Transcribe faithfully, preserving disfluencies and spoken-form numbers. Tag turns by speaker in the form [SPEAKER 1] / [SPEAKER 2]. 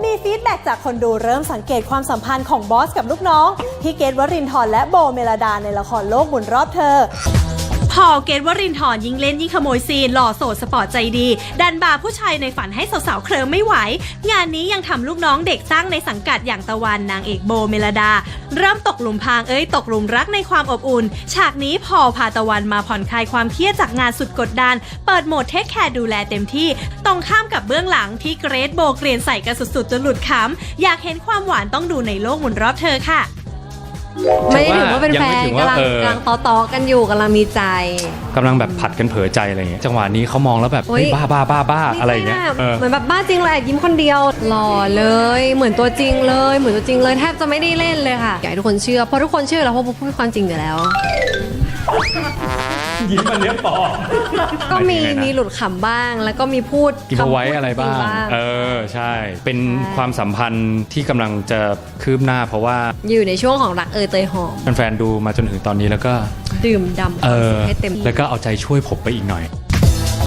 [SPEAKER 1] มีฟีดแบ็กจากคนดูเริ่มสังเกตความสัมพันธ์ของบอสกับลูกน้องที่เกตวรินทร์และโบเมลดาในละครโลกหมุนรอบเธอพอเกตวรินทร์ยิ่งเล่นยิ่งขโมยซีนหล่อโสดสปอร์ตใจดีดันบาผู้ชายในฝันให้สาวๆเคลิ้มไม่ไหวงานนี้ยังทำลูกน้องเด็กสร้างในสังกัดอย่างตะวันนางเอกโบเมลดาเริ่มตกหลุมพรางเอ้ยตกหลุมรักในความอบอุ่นฉากนี้พอพาตะวันมาผ่อนคลายความเครียดจากงานสุดกดดันเปิดโหมดเทคแคร์ดูแลเต็มที่ตรงข้ามกับเบื้องหลังที่เกรทโบเกรียนใส่กันสุดๆจนหลุดขำอยากเห็นความหวานต้องดูในโลกหมุนรอบเธอค่ะ
[SPEAKER 2] ไม่ได้ถือว่าเป็นแฟนกำลังกำลังต่อๆกันอยู่กำลังมีใจ
[SPEAKER 3] กำลังแบบผัดกันเผลอใจอะไรเงี้ยจังหวะนี้เขามองแล้วแบบเฮ้ยบ้าบ้าบ้าบ้าอะไรเงี้ย
[SPEAKER 2] เหมือนแบบบ้าจริงเลยยิ้มคนเดียวหล่อเลยเหมือนตัวจริงเลยเหมือนตัวจริงเลยแทบจะไม่ได้เล่นเลยค่ะอยากให้ทุกคนเชื่อเพราะทุกคนเชื่อแล้วเพราะพูดความจริงอยู่แล้ว
[SPEAKER 3] ยิ้มมันเนี้ยปอ
[SPEAKER 2] ก็มีมีหลุดขำบ้างแล้วก็มีพูด
[SPEAKER 3] กินเอาไว้อะไรบ้างเออใช่เป็นความสัมพันธ์ที่กำลังจะคืบหน้าเพราะว่า
[SPEAKER 2] อยู่ในช่วงของรักเอยเตยหอม
[SPEAKER 3] แฟนๆดูมาจนถึงตอนนี้แล้วก็
[SPEAKER 2] ดื่มดำ
[SPEAKER 3] เออ
[SPEAKER 2] ให้เต็ม
[SPEAKER 3] แล้วก็เอาใจช่วยผมไปอีกหน่อย